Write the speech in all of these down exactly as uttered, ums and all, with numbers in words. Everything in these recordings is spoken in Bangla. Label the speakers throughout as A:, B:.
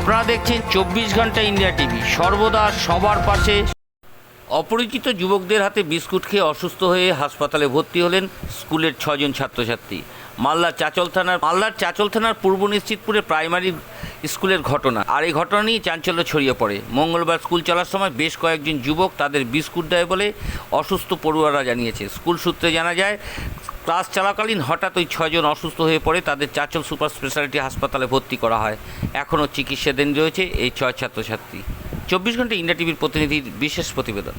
A: আপনারা দেখছেন চব্বিশ ঘন্টা ইন্ডিয়া টিভি, সর্বদা সবার পাশে। অপরিচিত যুবকদের হাতে বিস্কুট খেয়ে অসুস্থ হয়ে হাসপাতালে ভর্তি হলেন স্কুলের ছজন ছাত্রছাত্রী। মালদার চাচল থানার মালদার চাচল থানার পূর্ব নিশ্চিতপুরে প্রাইমারি স্কুলের ঘটনা। আর এই ঘটনা নিয়ে চাঞ্চল্য ছড়িয়ে পড়ে। মঙ্গলবার স্কুল চলার সময় বেশ কয়েকজন যুবক তাদের বিস্কুট দেয় বলে অসুস্থ পড়ুয়ারা জানিয়েছে। স্কুল সূত্রে জানা যায়, ক্লাস চলাকালীন হঠাৎ ওই ছজন অসুস্থ হয়ে পড়ে তাদের চাচল সুপার স্পেশালিটি হাসপাতালে ভর্তি করা হয়। এখনও চিকিৎসাধীন রয়েছে এই ছয় ছাত্রছাত্রী। চব্বিশ ঘন্টা ইন্ডিয়া টিভির প্রতিনিধির বিশেষ প্রতিবেদন।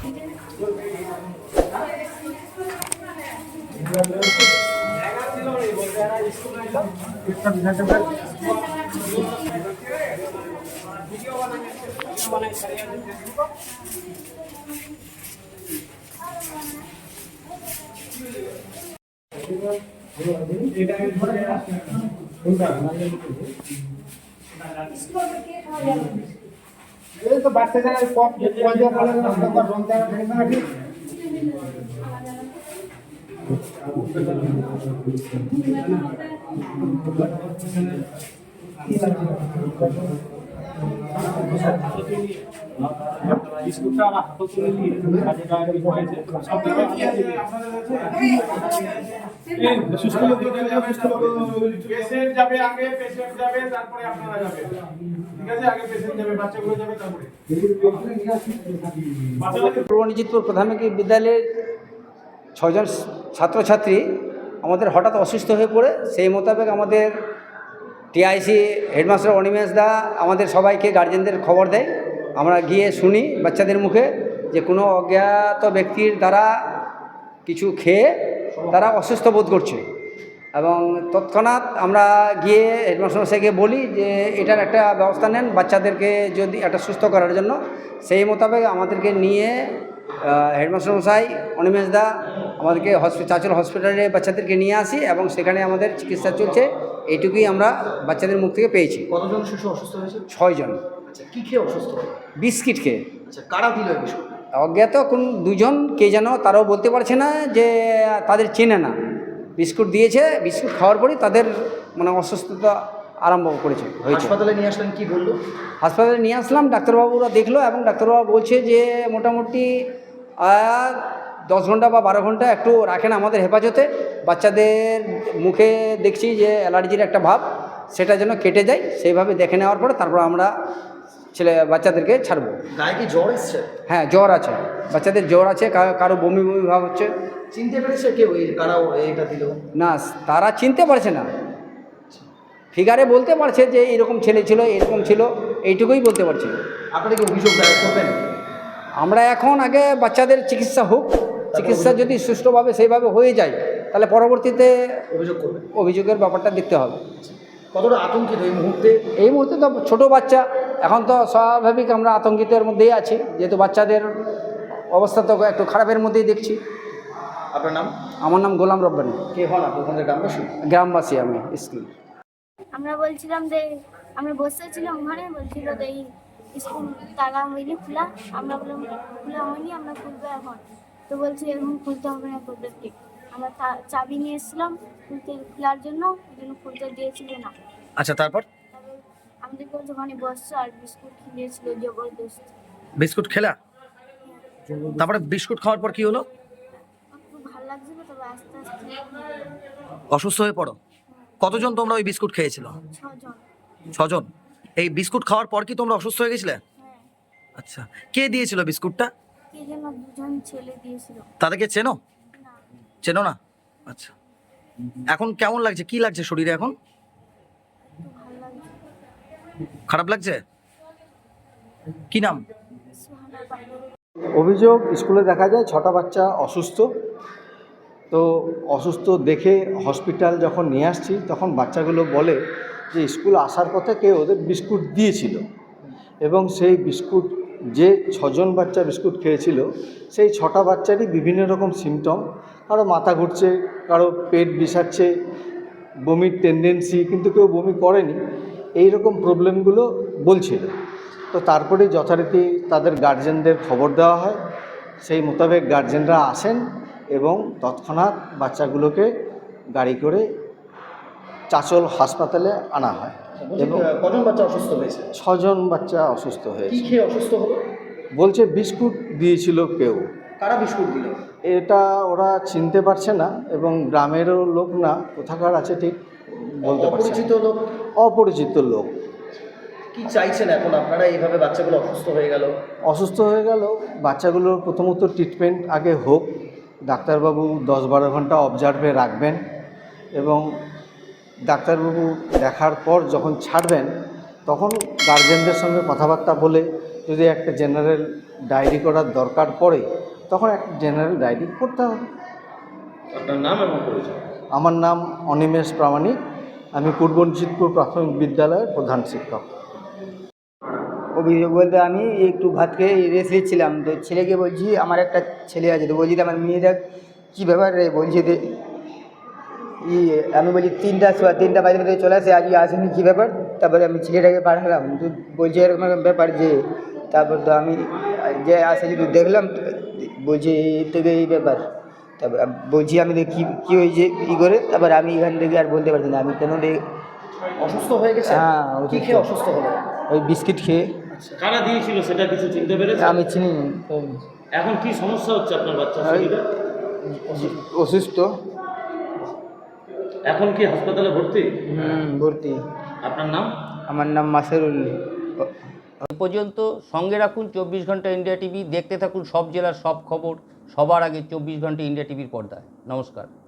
B: এই তো বাচ্চা জায়গায় কপ পয়সা বলে না কথা বলতে হবে না ঠিক
C: বিস্কুটটা আমার হাতে তুলে নিয়ে কাজে গায়ে পড়েছে সব দিকে এই সুস্থ লোক যাবে সুস্থ লোক পেশেন্ট যাবে আগে পেশেন্ট যাবে তারপরে আপনারা যাবেন ঠিক আছে আগে পেশেন্ট যাবে বাচ্চাগুলো যাবে তারপরে
B: পূর্ব নিশ্চিতপুর প্রাথমিক বিদ্যালয়ের ছয়জন ছাত্রছাত্রী আমাদের হঠাৎ অসুস্থ হয়ে পড়ে সেই মোতাবেক আমাদের টিআইসি হেডমাস্টার অনিমেষ দা আমাদের সবাইকে গার্জেনদের খবর দেয়। আমরা গিয়ে শুনি বাচ্চাদের মুখে যে কোনো অজ্ঞাত ব্যক্তির দ্বারা কিছু খেয়ে তারা অসুস্থ বোধ করছে এবং তৎক্ষণাৎ আমরা গিয়ে হেডমাস্টার মশাইকে বলি যে এটার একটা ব্যবস্থা নেন বাচ্চাদেরকে যদি একটা সুস্থ করার জন্য। সেই মোতাবেক আমাদেরকে নিয়ে হেডমাস্টার মশাই অনিমেষ দা আমাদেরকে হসপিটাল চাচল হসপিটালে বাচ্চাদেরকে নিয়ে আসি এবং সেখানে আমাদের চিকিৎসা চলছে। এইটুকুই আমরা বাচ্চাদের মুখ থেকে পেয়েছি।
D: কতজন শিশু অসুস্থ হয়েছে?
B: ছয়জন।
D: আচ্ছা, কী খেয়ে অসুস্থ?
B: বিস্কিট খেয়ে।
D: আচ্ছা, কারা দিল এই বিস্কুট?
B: অজ্ঞাত কোন দুজন কে যেন, তারাও বলতে পারছে না যে তাদের চেনে না। বিস্কুট দিয়েছে, বিস্কুট খাওয়ার পরই তাদের মানে অসুস্থতা আরম্ভ করেছে হয়েছে।
D: হাসপাতালে নিয়ে আসলেন, কি বললো?
B: হাসপাতালে নিয়ে আসলাম, ডাক্তারবাবুরা দেখলো এবং ডাক্তারবাবু বলছে যে মোটামুটি দশ ঘন্টা বা বারো ঘন্টা একটু রাখেন আমাদের হেফাজতে। বাচ্চাদের মুখে দেখছি যে অ্যালার্জির একটা ভাব, সেটা যেন কেটে যায়। সেইভাবে দেখে নেওয়ার পরে তারপর আমরা ছেলে বাচ্চাদেরকে ছাড়বো।
D: গায়ে কি জ্বর এসছে?
B: হ্যাঁ, জ্বর আছে, বাচ্চাদের জ্বর আছে, কারো বমি বমি ভাব হচ্ছে।
D: চিনতে পেরেছে কেউ এই কারা এইটা দিল?
B: না, তারা চিনতে পারছে না। ফিগারে বলতে পারছে যে এরকম ছেলে ছিল, এরকম ছিল, এইটুকুই বলতে পারছে।
D: আপনারা কি অভিযোগ দায়ের করবেন?
B: আমরা এখন আগে বাচ্চাদের চিকিৎসা হোক, চিকিৎসা যদি সুষ্ঠুভাবে সেইভাবে হয়ে যায় তাহলে পরবর্তীতে
D: অভিযোগ করবেন।
B: অভিযোগের ব্যাপারটা দেখতে হবে।
D: কতটা আতঙ্কিত এই মুহূর্তে?
B: এই মুহূর্তে তো ছোটো বাচ্চা, এখন তো স্বাভাবিক আমরা আতঙ্কিতের মধ্যেই আছি, যেহেতু বাচ্চাদের অবস্থা তো একটু খারাপের মধ্যেই দেখছি।
D: আপনার নাম?
B: আমার নাম গোলাম রব্বানী।
D: কে হন আপনি? ওখানে গ্রামবাসী?
B: গ্রামবাসী আমি। স্কুল
E: আমরা বলছিলাম যে আমরা বসেছিলাম ওখানে, বলছিল যে এই স্কুল তালা হয়নি খোলা। আমরা বললাম খোলা হয়নি, আমরা খুলবো এখন। তো বলছি এরকম খুলতে হবে না তোদেরকে। আমরা চাবি নিয়ে এসেছিলাম খুলতে খোলার জন্য, ওই জন্য খুলতে দিয়েছিল না।
D: আচ্ছা, তারপর
E: তারপর আমাদেরকে বলছে ওখানে বসছো আর বিস্কুট খেয়েছিল জবরদস্ত।
D: বিস্কুট খেলা? তারপরে বিস্কুট খাওয়ার পর কি হলো?
E: খুব ভালো লাগছিল, তবে আস্তে আস্তে
D: অসুস্থ হয়ে পড়ো। কতজন তোমরা ওই বিস্কুট খেয়েছিল?
E: ছজন।
D: ছজন। এই বিস্কুট খাওয়ার পর কি তোমরা অসুস্থ হয়ে গেছিলে?
E: হ্যাঁ।
D: আচ্ছা, কে দিয়েছিল বিস্কুটটা?
E: কে যেন দুজন ছেলে দিয়েছিল।
D: তাদেরকে চেনো?
E: না।
D: চেনো না? আচ্ছা, এখন কেমন লাগছে? কি লাগছে শরীরে এখন?
E: একটু ভালো লাগছে।
D: খারাপ লাগছে? কি নাম?
E: সুহানা পাখি।
F: অভিযোগ স্কুলে দেখা যায় ছটা বাচ্চা অসুস্থ। তো অসুস্থ দেখে হসপিটাল যখন নিয়ে আসছি তখন বাচ্চাগুলো বলে যে স্কুল আসার পথে কেউ ওদের বিস্কুট দিয়েছিল এবং সেই বিস্কুট যে ছজন বাচ্চা বিস্কুট খেয়েছিল সেই ছটা বাচ্চারই বিভিন্ন রকম সিমটম। কারো মাথা ঘুরছে, কারো পেট বিষাচ্ছে, বমির টেন্ডেন্সি, কিন্তু কেউ বমি করেনি, এই রকম প্রবলেমগুলো বলছিল। তো তারপরে যথারীতি তাদের গার্জেনদের খবর দেওয়া হয়। সেই মোতাবেক গার্জেনরা আসেন এবং তৎক্ষণাৎ বাচ্চাগুলোকে গাড়ি করে চাচল হাসপাতালে আনা হয়। এবং
D: কজন বাচ্চা অসুস্থ হয়েছে?
F: ছজন বাচ্চা অসুস্থ
D: কি
F: হয়েছে।
D: খেয়ে অসুস্থ হলো?
F: বলছে বিস্কুট দিয়েছিল কেউ।
D: কারা বিস্কুট দিল?
F: এটা ওরা চিনতে পারছে না এবং গ্রামেরও লোক না, কোথাকার আছে ঠিক বলতে পারছে না।
D: অপরিচিত লোক?
F: অপরিচিত লোক।
D: কি চাইছেন এখন আপনারা? এইভাবে বাচ্চাগুলো অসুস্থ হয়ে গেল।
F: অসুস্থ হয়ে গেল, বাচ্চাগুলোর প্রথমত ট্রিটমেন্ট আগে হোক, ডাক্তারবাবু দশ বারো ঘন্টা অবজার্ভে রাখবেন এবং ডাক্তারবাবু দেখার পর যখন ছাড়বেন তখন গার্জেনদের সঙ্গে কথাবার্তা বলে যদি একটা জেনারেল ডায়েরি করার দরকার পড়ে তখন একটা জেনারেল ডায়েরি করতে হবে।
C: আপনার নাম এবং পরিচয়?
F: আমার নাম অনিমেষ প্রামাণিক, আমি পূর্ব নিশ্চিতপুর প্রাথমিক বিদ্যালয়ের প্রধান শিক্ষক।
B: অভিযোগ বলতে আমি একটু ভাত খেয়ে রেস্ট নিচ্ছিলাম, তো ছেলেকে বলছি আমার একটা ছেলে আছে, তো বলছি আমার মেয়েটা কী ব্যাপার রে, বলছি যে ই আমি বলছি তিনটা সোয়া তিনটা বাজে বাজে চলে আসে, আজকে আসেনি কী ব্যাপার। তারপরে আমি ছেলেটাকে পাঠালাম, তো বলছি এরকম এরকম ব্যাপার যে, তারপর তো আমি যে আসে যদি দেখলাম বলছি এই থেকে এই ব্যাপার। তারপর বলছি আমি কী কী হয়েছে কী করে, তারপর আমি এখান থেকে আর বলতে পারছি না আমি কেন রে।
D: অসুস্থ হয়ে গেছে?
B: হ্যাঁ,
D: কি খেয়ে অসুস্থ হলো?
B: ওই বিস্কিট খেয়ে।
G: কারা দিয়েছিল সেটা কিছু চিনতে পেরেছে?
B: আমি চিনি
G: এখন কি সমস্যা হচ্ছে আপনার বাচ্চার শরীরে?
B: অসুস্থ।
G: এখন কি হাসপাতালে ভর্তি?
B: হুম ভর্তি।
G: আপনার নাম?
B: আমার নাম মাসেরুল।
A: এ পর্যন্ত সঙ্গে রাখুন চব্বিশ ঘন্টা ইন্ডিয়া টিভি, দেখতে থাকুন সব জেলার সব খবর সবার আগে চব্বিশ ঘন্টা ইন্ডিয়া টিভির পর্দায়। নমস্কার।